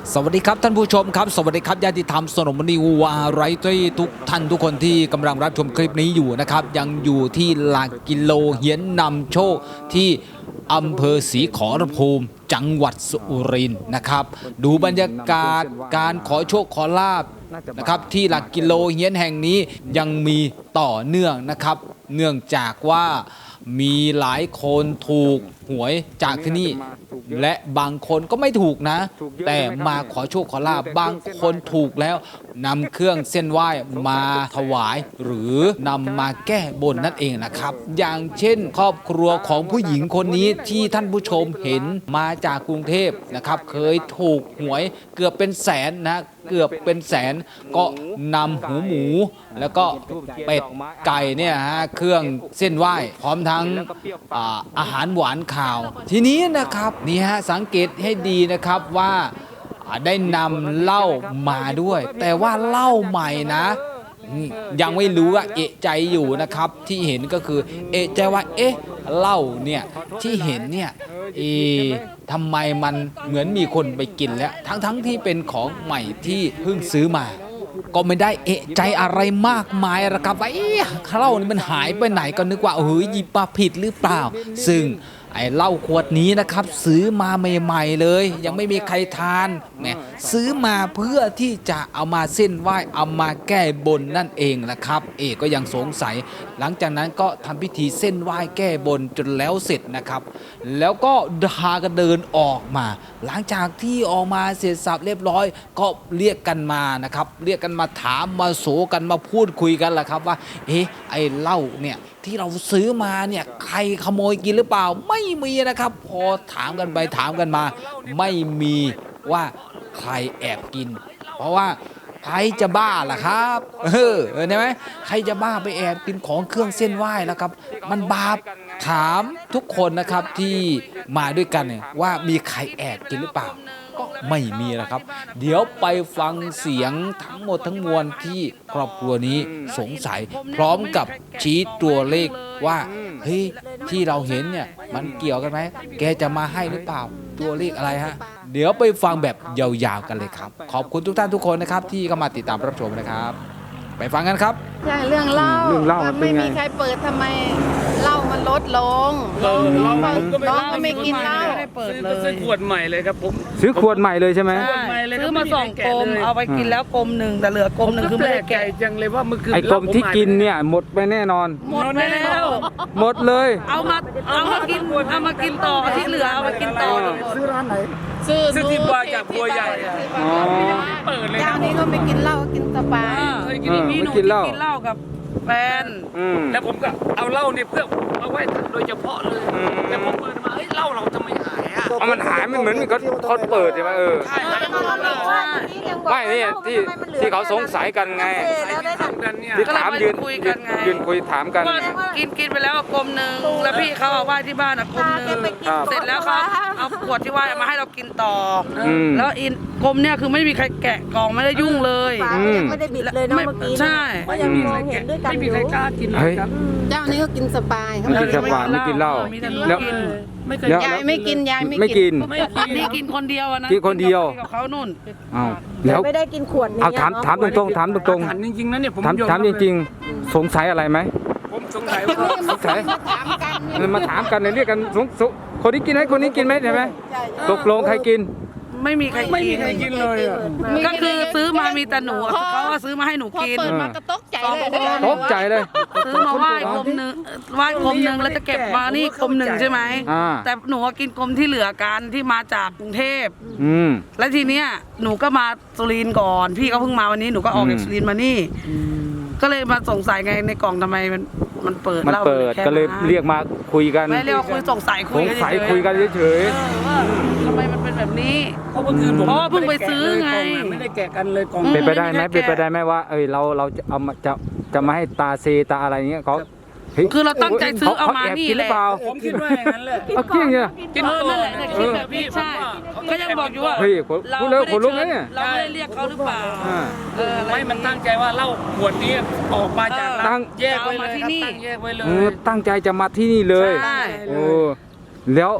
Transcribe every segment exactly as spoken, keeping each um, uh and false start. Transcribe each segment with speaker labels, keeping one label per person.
Speaker 1: สวัสดีครับท่านผู้ชมครับสวัสดีครับญาติธรรมสนมนิวาไรตี้ทุกท่านทุกคนที่กำลังรับชมคลิปนี้อยู่นะครับยังอยู่ที่หลักกิโลเฮียนนำโชคที่อำเภอศรีขอรภูมิจังหวัดสุรินทร์นะครับดูบรรยากาศการขอโชคขอลาบนะครับที่หลักกิโลเฮียนแห่งนี้ยังมีต่อเนื่องนะครับเนื่องจากว่ามีหลายคนถูกหวยจากที่นี่และบางคนก็ไม่ถูกนะแต่มาขอโชคขอลาบบางคนถูกแล้วนำเครื่องเส้นไหว้มาถวายหรือนำมาแก้บนนั่นเองนะครับอย่างเช่นครอบครัวของผู้หญิงคนนี้ที่ท่านผู้ชมเห็นมาจากกรุงเทพนะครับเคยถูกหวยเกือบเป็นแสนนะเกือบเป็นแสนก็นำหูหมูแล้วก็เป็ดไก่เนี่ยฮะเครื่องเส้นไหว้พร้อมทั้งอาอาหารหวานข่าวทีนี้นะครับนี่ฮะสังเกตให้ดีนะครับว่าได้นำเหล้ามาด้วยแต่ว่าเหล้าใหม่นะยังไม่รู้ว่าเอะใจอยู่นะครับที่เห็นก็คือเอะใจว่าเอ๊ะเหล้าเนี่ยที่เห็นเนี่ยเอทำไมมันเหมือนมีคนไปกินแล้วทั้งๆ ที่เป็นของใหม่ที่เพิ่งซื้อมาก็ไม่ได้เอะใจอะไรมากมายนะครับว่าเอ๊ะเหล้านี่มันหายไปไหนก็นึกว่าเฮ้ยหยิบมาผิดหรือเปล่าซึ่งไอ้เหล้าขวดนี้นะครับซื้อมาใหม่ๆเลยยังไม่มีใครทานเนี่ยซื้อมาเพื่อที่จะเอามาเส้นไหว้เอามาแก้บนนั่นเองนะครับเอกก็ยังสงสัยหลังจากนั้นก็ทำพิธีเส้นไหว้แก้บนจนแล้วเสร็จนะครับแล้วก็พากันเดินออกมาหลังจากที่ออกมาเสร็จสับเรียบร้อยก็เรียกกันมานะครับเรียกกันมาถามมาโศกันมาพูดคุยกันแหละครับว่าเอ๊ะไอ้เหล้าเนี่ยที่เราซื้อมาเนี่ยใครขโมยกินหรือเปล่าไม่มีนะครับพอถามกันไปถามกันมาไม่มีว่าใครแอบกินเพราะว่าใครจะบ้าล่ะครับเออเห็นไหมใครจะบ้าไปแอบกินของเครื่องเส้นไหว้แล้วครับมันบาปถามทุกคนนะครับที่มาด้วยกันเนี่ยว่ามีใครแอบกินหรือเปล่าก็ไม่มีนะครับเดี๋ยวไปฟังเสียงทั้งหมดทั้งมวลที่ครอบครัวนี้สงสัยพร้อมกับชี้ตัวเลขว่าเฮ้ยที่เราเห็นเนี่ยมันเกี่ยวกันไหมแกจะมาให้หรือเปล่าตัวเลขอะไรฮะเดี๋ยวไปฟังแบบยาวๆกันเลยครับขอบคุณทุกท่านทุกคนนะครับที่เข้ามาติดตามรับชมนะครับไปฟังกันครับ
Speaker 2: ใช่เรื่องเหล้า
Speaker 3: เรื่องเหล้ามันเป็นไง
Speaker 2: ไม่มีใครเปิดทำไมเหล้ามันลดลง
Speaker 3: เออเหล้า
Speaker 2: น้อง
Speaker 3: ผมก็ไม่
Speaker 2: น้องก็ไม่กินเหล้า
Speaker 4: ไม่ได้เปิดเลย
Speaker 3: ซื้อขวดใหม่เลยครับผม
Speaker 5: ซื้อขวดใหม่เลยใช่ไหม
Speaker 4: ใช่ซื้อมาสองกลมเอาไปกินแล้วกลมหนึ่งแต่เหลือกลมหนึ่งคือไม่ได้
Speaker 3: แก่
Speaker 4: แกะ
Speaker 3: จังเลยว่าเมื่อคืน
Speaker 5: ไอ้กลมที่กินเนี่ยหมดไปแน่นอน
Speaker 4: หมดไปแล้ว
Speaker 5: หมดเลย
Speaker 4: เอามาเอามากินเอามากินต่อที่เหลือเอามากินต่อ
Speaker 3: ซื้อร้านไหน
Speaker 2: ซื้อ
Speaker 3: ซื้อที่บัวจากบัวใหญ่อะ
Speaker 5: อ๋อ
Speaker 3: เปิดเลย
Speaker 2: เจ้า
Speaker 3: นะ
Speaker 2: นี้ก็ไม่กินเหล้ากินสปา
Speaker 3: เคยกิน
Speaker 5: เออ
Speaker 4: มีหนู
Speaker 5: ไม่กินเหล้า
Speaker 4: ที่กินเหล้ากับแฟน
Speaker 5: อืม
Speaker 3: แล้วผมก็เอาเหล้าเนี่ยเพื่อเอาไว้โดยเฉพาะเลย
Speaker 5: อืม
Speaker 3: แต่ผมเปิดมาเอ้ยเหล้าเราทำไมหายอ่ะ
Speaker 5: เอามันหายมันเหมือนมีเขาเขาเปิดใช่ไหมเออ
Speaker 3: ใช่หายหมดเลย
Speaker 5: ไม่นี่ที่ที่เขาสงสัยกันไง
Speaker 3: ทำกันเนี่ย
Speaker 5: ที่ถามยืน
Speaker 4: คุยกันไง
Speaker 5: ยืนคุยถามกัน
Speaker 4: ว่ากินกินไปแล้วกลมหนึ่งแล้วพี่เขาเอาไหว้ที่บ้านอ่ะกลมหนึ่ง
Speaker 5: ครับ
Speaker 4: เสร็จแล้วเขาเอาขวดที่ไหว้มาให้เรากินต่ออ
Speaker 5: อืม
Speaker 4: แล้วอินกลมเนี่ยคือไม่มีใครแกะกล่องไม่ได้ยุ่งเลย
Speaker 2: ฝาก็ยังไม่ได้บิดเลยเนาะ
Speaker 4: ไม่
Speaker 2: เมื่อกี้
Speaker 4: ใช่
Speaker 2: ก็ยังมองเห็นด้วยกัน
Speaker 3: ไม่
Speaker 2: อ
Speaker 3: มี
Speaker 2: ยู่
Speaker 3: ใครกล้ากินเล
Speaker 5: เฮ้
Speaker 3: ย
Speaker 5: ย
Speaker 3: ครับ
Speaker 2: เจ้านี้ก็กินสปายเขา
Speaker 5: ไม่กินสปาไม่กินเหล้า
Speaker 4: มีแต่หนู
Speaker 5: แล้ว
Speaker 4: กิน
Speaker 3: ไม่เคย
Speaker 5: แล้ว
Speaker 2: ยายไม่กินยาย
Speaker 5: ไม่
Speaker 2: ไม่
Speaker 5: กิน
Speaker 3: ไม่กิน
Speaker 4: นี่กินคนเดียวอะนะ
Speaker 5: กินคนเดียว
Speaker 4: กับเขานู่น
Speaker 5: อ้าวแล้ว
Speaker 2: ไม่ได้กินขวดนี้
Speaker 5: เอาถามถามตรงๆถามตรง
Speaker 3: ถามจริงๆนะเนี่ยผม
Speaker 5: ๆถาม
Speaker 3: ยอ
Speaker 5: ถามจริงๆ สงสัยอะไรไหม
Speaker 3: ผมสงสัยว่า
Speaker 5: สงสัย
Speaker 2: ถามกัน
Speaker 5: มันมาถามกันเลยเรียกกันสงสงคนนี้กินไหมคนนี้กินไหมใช่ไหม
Speaker 2: ใช่
Speaker 5: ตกลงใครกิน
Speaker 4: ไม่มีใคร
Speaker 3: ไม่มี
Speaker 4: กิน
Speaker 3: ใครกินเลยอ่ะ
Speaker 4: ก็คือซื้อมามีแต่หนูอะเขาว่าซื้อมาให้หนู
Speaker 2: พอ
Speaker 4: กิน
Speaker 2: เปิดมาก็ตกใจเลย
Speaker 5: ตกใจเลย
Speaker 4: ซื้อมาไหว้กลมหนึ่งไหว้กลมหนึ่งแล้วจะเก็บมานี่กลมหนึ่งใช่ไหม
Speaker 5: อ่า
Speaker 4: แต่หนูก็กินกลมที่เหลือกันที่มาจากกรุงเทพ
Speaker 5: อืม
Speaker 4: และทีเนี้ยหนูก็มาสุรินทร์ก่อน พี่เขาเพิ่งมาวันนี้หนูก็ออกจาก
Speaker 5: อืม
Speaker 4: สุรินทร์มานี่ ก็เลยมาสงสัยไงในกล่องทำไมมันมันเปิด
Speaker 5: มัน
Speaker 4: หล้า
Speaker 5: เปิด
Speaker 4: แค่
Speaker 5: ก็เลย
Speaker 4: นั้น
Speaker 5: เรียกมาคุยกัน
Speaker 4: ไม่เรียกว่าคุยสงสัย
Speaker 5: ส
Speaker 4: คุย
Speaker 5: ง
Speaker 4: กัน
Speaker 5: สัย
Speaker 4: เฉยๆ
Speaker 5: คุยกันเฉย
Speaker 4: เออว่าทำไมมันเป็นแบบนี้
Speaker 3: เพราะเมื่อคืนผม
Speaker 4: เพราะว่าเพิ่งไปซื้อไง
Speaker 3: ไม่ได้แกะกันเลยกล่อง
Speaker 5: ๆเป็นไปได้ไหม
Speaker 4: ไม่มีใครแกะ
Speaker 5: เป็นไปได้ไหมว่า เอ้ยเราเราจะเอามาจะจะมาให้ตาเซตาอะไรเงี้ยเขาเฮ้ย
Speaker 4: คือเราตั้งใจซื้อเอามา
Speaker 5: ขแบ
Speaker 4: นี่
Speaker 5: กินห
Speaker 4: แห
Speaker 5: รือ
Speaker 4: ละ
Speaker 5: เปล่า
Speaker 3: ผมคิดว่าอย่างนั้นแหละ
Speaker 5: เอาเกี้ยงเนี่ย
Speaker 3: กิน
Speaker 4: เออ
Speaker 3: ก่อ
Speaker 4: นั่น
Speaker 3: น
Speaker 4: แหละคิดแบบนี้ใช่ ก็ยังบอกอยู่ว่า
Speaker 5: เฮ้ยขน
Speaker 4: เรา
Speaker 5: พูดแล้ว
Speaker 4: ไม่
Speaker 5: ขนลุกนะ
Speaker 4: ได้
Speaker 5: เนี่ย
Speaker 4: เชิญเราไม่ได้เรียกเขาหรือเปล่า
Speaker 5: อ่า
Speaker 4: เอออะไร
Speaker 3: ไม่มันตั้งใจว่าเหล้าขวดนี้ออกมาจาก
Speaker 5: ตั้
Speaker 3: ร้าน
Speaker 5: ง
Speaker 3: แยกไว้เลย
Speaker 4: เอามาที่
Speaker 3: ครับ
Speaker 4: นี่
Speaker 3: ตั้งแยกไว้เล
Speaker 5: เออย ตั้งใจจะมาที่นี่เลย
Speaker 4: ใช่
Speaker 5: โอ้แล้ว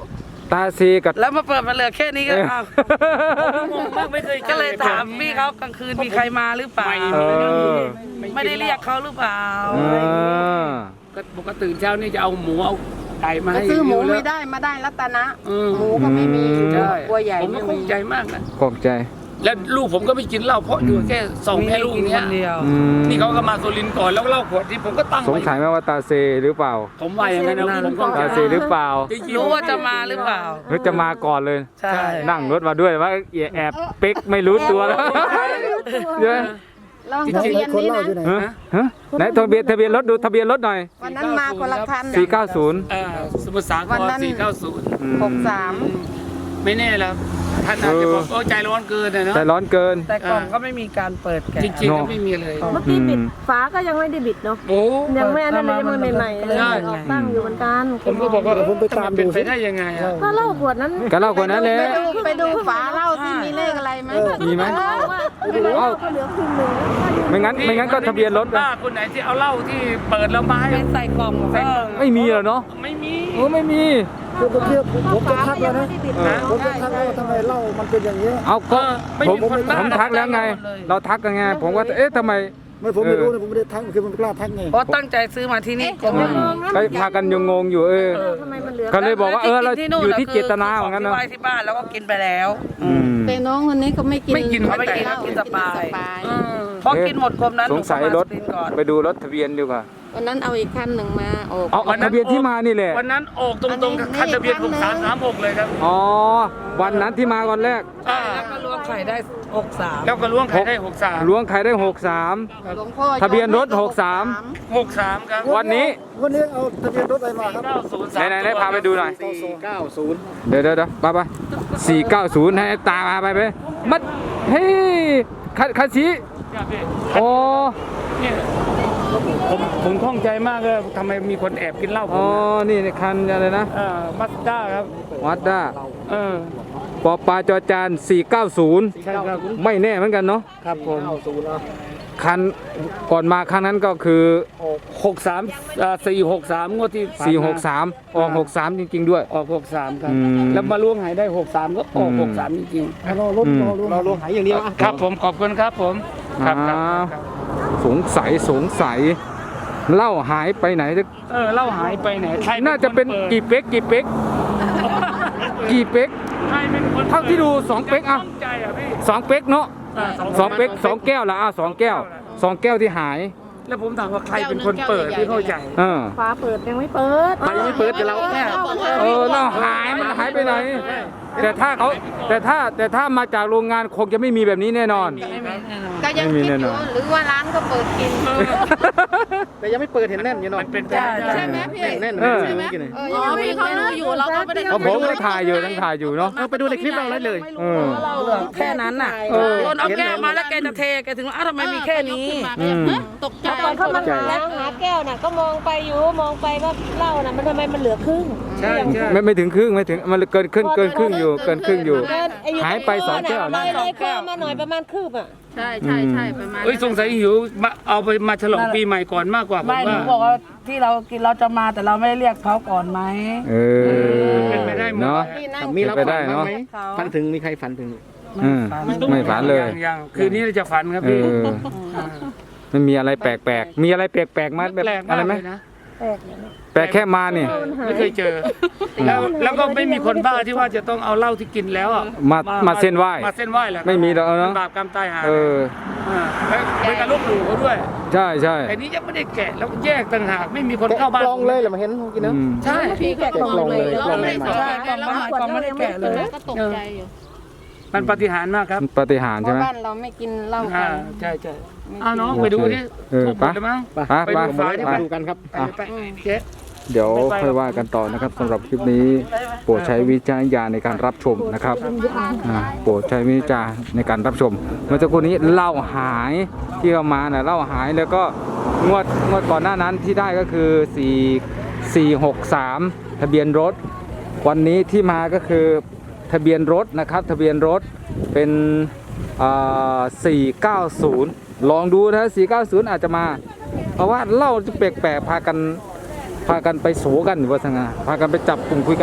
Speaker 5: ตาซีกับ
Speaker 4: แล้วมาเปิดมาเหลือแค่นี้ก็
Speaker 5: เออ
Speaker 4: อ้าว
Speaker 3: งงมากไม่เคยจอ
Speaker 4: ก็เลยถามพี่เขากลางคืนมีใครมาหรือเปล่า
Speaker 5: เออ
Speaker 4: ไม่ได้เรียกเขาหรือเปล่า
Speaker 5: เออ
Speaker 3: ก็ปกติตื่นเช้านี่จะเอาหมูเอาไก่มา
Speaker 2: ก็
Speaker 3: ให้
Speaker 2: ซื้อหมู
Speaker 3: ยู่แล้ว
Speaker 2: ไม่ได้มาได้รัตนะ
Speaker 3: อืม
Speaker 2: หมูก็ไม่มี
Speaker 3: ใช่
Speaker 2: กลัวใหญ่
Speaker 3: ผมก็
Speaker 2: ไม่
Speaker 3: ค
Speaker 2: มี
Speaker 3: งใจมากนะ
Speaker 5: ขอบใจ
Speaker 3: แล้วลูกผมก็ไม่กินเหล้าเพราะอยู่แค่สอง
Speaker 4: มี
Speaker 3: แค่
Speaker 4: ให้
Speaker 3: ลูก
Speaker 4: กิน
Speaker 3: เนี้
Speaker 4: ค
Speaker 3: ย
Speaker 4: นเดียว
Speaker 5: อืม
Speaker 3: นี่เขาก็มาโซลินทร์ก่อนแล้วเหล้าขวดที่ผมก็ตั้ง
Speaker 5: สง
Speaker 3: ไว้
Speaker 5: สัยไหมว่าตาเซหรือเปล่า
Speaker 3: ผมว่าอย่างนั้นนะผมก็
Speaker 5: ตาเซหรือเปล่า
Speaker 4: รู้ว่าจะมาหรือเปล่า
Speaker 5: หรือจะมาก่อนเลย
Speaker 4: ใช่
Speaker 5: นั่งรถมาด้วยว่าแอบเป๊กไม่รู้ตัวแล้วเยอะ
Speaker 2: ลองทะเบียนนี้นะ
Speaker 5: ฮะฮะไหนทะเบียนทะเบียนรถดูทะเบียนรถหน่อย
Speaker 2: วันนั้นมาคนละคัน
Speaker 5: สี่เก้าศูนย์
Speaker 3: เอ่อสมุทรสาค
Speaker 2: วัน
Speaker 3: ร
Speaker 2: นั้น
Speaker 3: สี่เก้าศูนย์
Speaker 2: หกสาม
Speaker 3: ไม่แน่แล้วท่านอาจจะบอกโอ้ใจร้อนเกินนะเนาะ
Speaker 5: ใจร้อนเกิน
Speaker 4: แต่กล่องก็ไม่มีการเปิดแกะ
Speaker 3: จริงๆก็ไม่มีเลย
Speaker 6: เมื่อกี้บิดฝาก็ยังไม่ได้บิดเนาะ
Speaker 3: โอ้
Speaker 6: ยังไม่อันนั้นเลยยังไม่ใหม่ๆเลย
Speaker 3: ใช่
Speaker 6: ออกตั้งอยู่เหมือนกัน
Speaker 3: ผมก็บอกว่าผมไปตามดูเป็นไปได้ยังไงอะ
Speaker 6: ก็เหล่าขวดนั้น
Speaker 5: ก็เล่าคนนั้นแหละ
Speaker 2: ไปดูไปดูฝาเหล้าที่มีเลขอะไรไหม
Speaker 5: มีไหม
Speaker 6: ว่าเหล้าก็เหลือครึ่งหนึ่ง
Speaker 5: ไม่งั้นไม่งั้นก็ทะเบียนรถ
Speaker 3: ป้าคนไหนที่เอาเหล้าที่เปิดแล้วมาให้
Speaker 4: เป็นใส่กล่อง
Speaker 3: ใส่
Speaker 4: ก็
Speaker 3: กล่อง
Speaker 5: ไม่มีเหรอเนาะ
Speaker 3: ไม่มี
Speaker 5: โอ้ไม่มี
Speaker 7: คือเมื่อกี้ผมจะทักแล้วนะ
Speaker 5: เออ
Speaker 7: ผมจะทักแล้วว่าทำไมเหล้ามันเป็นอย่างนี้ย
Speaker 5: เอาก็
Speaker 3: ไม่
Speaker 5: ผม
Speaker 3: มีคนบ้า
Speaker 5: ผมทักแล้วไง เราทักกันไงผมว่าเอ๊ะทำไม
Speaker 7: ไม่ผมไม่รู้นะผมไม่ได้ทักคือมันไม่กล้าทักไง
Speaker 4: เพราะตั้งใจซื้อมาที่นี่ก็ไม่
Speaker 5: ก็พากันยังงงอยู่เออ
Speaker 6: ทำไมมันเหลือ
Speaker 5: ก็เลยบอกว่าเออเรา
Speaker 4: ที่นู่น
Speaker 5: อยู่ที่
Speaker 4: คื
Speaker 5: เจตนาเหมือนกัน
Speaker 4: ที่
Speaker 5: เนาะ
Speaker 4: ไว้ที่บ้านแล้วก็กินไปแล้ว
Speaker 5: อืม
Speaker 2: แต่น้องคนนี้เขาไม่กิน
Speaker 3: ไม่กิน
Speaker 4: เขาไม่กิน
Speaker 2: เหล้
Speaker 4: เขากินสปาย
Speaker 2: สปาย
Speaker 3: อืม
Speaker 4: เพราะกินหมดกลมนั้น
Speaker 5: สงสัยรถ
Speaker 4: หนูก็มาสปรินก่อน
Speaker 5: ไปดูรถทะเบียนดีกว่า
Speaker 2: วันนั้นเอาอีกคันหนึ่งมาออก
Speaker 5: เอาเอาทะเบียนที่มานี่แหละ
Speaker 3: วันนั้นออกตรงๆกับคันทะเบียนหกสามสามหกเลยครับ
Speaker 5: อ๋อวันนั้นที่มาก่อนแรก
Speaker 3: อ่า
Speaker 4: แล้วก็รวมไข่ได้หกสาม
Speaker 3: แล้วก็ล้วงไข่ได้หกสาม
Speaker 5: ล้วงใครได้หกสาม
Speaker 2: หลวงพ่อ
Speaker 5: ทะเบียนรถหกสาม
Speaker 3: หกสามครับ
Speaker 5: วันนี้
Speaker 7: วันนี้เอาทะเบียนรถอะไรมาครับ
Speaker 3: เก้าศูนย์
Speaker 5: ไห
Speaker 3: สาน ม
Speaker 5: ไหนไหนพาไปดูหน่อย
Speaker 3: สี่เก้าศูนย์
Speaker 5: เดี๋ยวเดี๋ยวเดี๋ยวไปไปสี่เก้าศูนย์ให้ตาพาไปไปมัดเฮ้ยคันคันสี
Speaker 3: ครับพี่
Speaker 5: โอ้
Speaker 3: เนี่ยผมผมข้องใจมากเลยทำไมมีคนแอบกินเหล้าผ
Speaker 5: อ๋อ
Speaker 3: มนะ
Speaker 5: นี่ในคันอะไรนะ
Speaker 3: เอ่อมัสด้าครับ
Speaker 5: วัดด้า
Speaker 3: เออ
Speaker 5: ปอปลาจอจานสี่เก้าศูนย์
Speaker 3: ใช่ครับ
Speaker 5: ไม่แน่เหมือนกันเนาะ
Speaker 3: ครับผม
Speaker 5: คันก่อนมาคันนั้นก็คือ
Speaker 3: หกสามสี่หกสามงวดที่
Speaker 5: สี่หกสามออกหกสามจริง ๆ ด้วย
Speaker 3: ออกหกสามครับ
Speaker 5: อืม
Speaker 3: แล้วมาล้วงหายได้หกสามก็ออก
Speaker 5: อืม
Speaker 3: หกสามจริง
Speaker 7: รอรถรอรถรอรถหายอย่างเดียว
Speaker 3: ๆครับผมขอบคุณครับผมครับครับ
Speaker 5: อ่า
Speaker 3: ครับ
Speaker 5: สงสัยสงสัยเหล้าหายไปไหน
Speaker 3: เออเหล้าหายไปไหนใคร
Speaker 5: น่าจะเป็น
Speaker 3: คปิด
Speaker 5: กี่เป๊กกี่เป๊กกี่เป๊ก
Speaker 3: ใครเป็นคน
Speaker 5: เท่าที่ดูสองเป๊กอะ
Speaker 3: ข้องใจอ่ะพี่
Speaker 5: สองเป๊กเนาะ
Speaker 3: า
Speaker 5: สองเป๊กสองแก้วละอ่ะสองแก้วสองแก้วที่หาย
Speaker 3: แล้วผมถามว่าใครเป็นคนเปิดที่เข้าใจ
Speaker 5: เออ
Speaker 6: ฝาเปิดยังไม่เปิด
Speaker 3: ใครยังไม่เปิดกับเราเนี่ย
Speaker 5: เออเหล้าหายมันหายไปไหน แต่ถ้าเขาแต่ถ้าแต่ถ้ามาจากโรงงานคงจะไม่มีแบบนี้แน่นอน
Speaker 2: ก็ยัง
Speaker 5: ไม่มี
Speaker 2: คิด
Speaker 5: แน่
Speaker 2: อน ยู่
Speaker 5: อน
Speaker 2: หรือว่าร้านก็เปิดกิน
Speaker 7: แต่ยังไม่เปิดเห็นแน่นอยู่เนาะ
Speaker 3: มันเป็นไป
Speaker 4: ใช่
Speaker 3: ได้
Speaker 4: ใช่
Speaker 2: ใช่ไหมพี่
Speaker 7: แน่น
Speaker 5: เออ
Speaker 7: ใช่ไหมกิน
Speaker 2: เออยังไม่ไม่รู้อยู่เราก็ไม่ได้
Speaker 5: เพราะผมก็ถ่ายอยู่ทั้งถ่ายอยู่เนาะ
Speaker 7: ไปดูในคลิปเราเลยเลย
Speaker 5: เออ
Speaker 4: เหลือแค่นั้นน่ะ
Speaker 5: เออ
Speaker 4: คนเอาแก้วมาแล้วแกจะเทแกถึงว่าอ้าวทำไมมีแค่นี้
Speaker 5: อืม
Speaker 2: ตกใจ
Speaker 6: ตอนเข้ามาหาหาแก้วน่ะก็มองไปอยู่มองไปว่าเหล้าน่ะมันทำไมมันเหลือครึ่ง
Speaker 3: ใช่ใช่
Speaker 5: ไม่ไม่ถึงครึ่งไม่ถึงมันเกินครึ่งเกินครึ่งอยู่เกินครึ่งอยู่
Speaker 6: เกินอ้
Speaker 5: หายไปสองแก้ว
Speaker 6: เล
Speaker 5: นะ
Speaker 6: ยเลยคอมาหน่อยประมาณคืบอ่ะ
Speaker 2: ใช่ใช่ใช่ประมาณ
Speaker 3: เอ้ยสงสัยหิวมาเอาไปมาฉลองปีใหม่ก่อนมากกว่าผม
Speaker 4: ไม่หนู
Speaker 3: ว่า
Speaker 4: บอกว่าที่เรากินเราจะมาแต่เราไม่ได้เรียกเขาก่อนไหม
Speaker 5: เออ
Speaker 3: เป็นไปได้หมด
Speaker 5: เนาะ
Speaker 2: ที่นั่ง
Speaker 7: มีรับ
Speaker 5: เป็นไปได้
Speaker 7: ฝันบ้าง
Speaker 5: เนาะ
Speaker 7: ไหมฝันถึงมีใครฝันถึง
Speaker 5: อืมไม่ฝันเลย
Speaker 3: งยังคืนนี้เราจะฝันครับ
Speaker 5: เอ
Speaker 3: พี่
Speaker 5: อมันมีอะไรแปลกๆมีอะไรแปลกๆมาแบบ
Speaker 3: แปลก
Speaker 5: อะ
Speaker 3: มาก
Speaker 5: ไรไหม
Speaker 3: เลยนะ
Speaker 5: แปลกแค่มานี่
Speaker 3: ไม่เคยเจอ แล้วแล้วก็ไม่มีคนบ้าที่ว่าจะต้องเอาเหล้าที่กินแล้วอ่ะ
Speaker 5: มามาเส้นไหว้
Speaker 3: มาเส้นไหว้แหละ
Speaker 5: ไม่มีหรอกเนอะ
Speaker 3: ป็บาปกรรมตายหา
Speaker 5: เออ
Speaker 3: อ่าแล้วเป็นการลบหลู่เขาด้วย
Speaker 5: ใช่ใช่
Speaker 3: แต่นี้ยังไม่ได้แกะแล้วแยกต่างหากไม่มีคนเข้าบ้าน
Speaker 7: กลองเลยเหรอมาเห็นเมื่อกี้เนอะ
Speaker 5: อืม
Speaker 3: ใช่
Speaker 2: พี่แกะกล่องเลย
Speaker 7: กล่องเลย
Speaker 2: เราไม่ได้สังเกต
Speaker 4: ใช่กล่องมาใหม่กล่องไม่ได้แกะเลย
Speaker 2: ก็ตกใจอยู่
Speaker 3: มันปาฏิหาริย์มากครับ
Speaker 5: ปาฏิหาริย์
Speaker 2: เพ
Speaker 5: ใช่ไหม
Speaker 2: ราะบ้านเราไม่กินเหล้ากั
Speaker 3: อ่าน ใช่ใช่เอาน้อง
Speaker 5: โอเค
Speaker 3: ไปดูดิ
Speaker 5: เออ
Speaker 3: ถูกหมดแล้วมั้ง
Speaker 7: ไป
Speaker 5: ไป
Speaker 3: ไป
Speaker 5: ไป
Speaker 3: ดูฝาที่
Speaker 5: ไป
Speaker 3: ไป
Speaker 7: ดูกันครับ
Speaker 3: ไปไปเจ๊
Speaker 5: เดี๋ยวค่อยว่ากันต่อนะครับสำหรับคลิปนี้โปรดใช้วิจารณญาณในการรับชมนะครับอ่าโปรดใช้วิจารณในการรับชม เมื่อสักครู่นี้เหล้าหายที่เอามาน่ะเหล้าหายแล้วก็งวดงวดก่อนหน้านั้นที่ได้ก็คือสี่ สี่หกสามทะเบียนรถ วันนี้ที่มาก็คือทะเบียนรถนะครับทะเบียนรถเป็นอ่าสี่เก้าศูนย์ลองดูนะสี่เก้าศูนย์อาจจะมา เพราะว่าเหล้าจะแปลกๆพากันพากันไปโสกันอยู่ว่าสังาพากันไปจับกลุ่มคุยกัน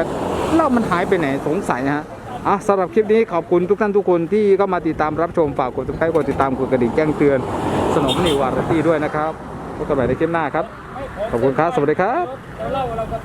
Speaker 5: เหล้ามันหายไปไหนสงสัยนะฮะอ่ะสำหรับคลิปนี้ขอบคุณทุกท่านทุกคนที่เข้ามาติดตามรับชมฝากกดติดตามกดติดตามกดกระดิ่งแจ้งเตือนสนมนิววาไรตี้ด้วยนะครับพบกันใหม่ในคลิปหน้าครับขอบคุณครับสวัสดีครับ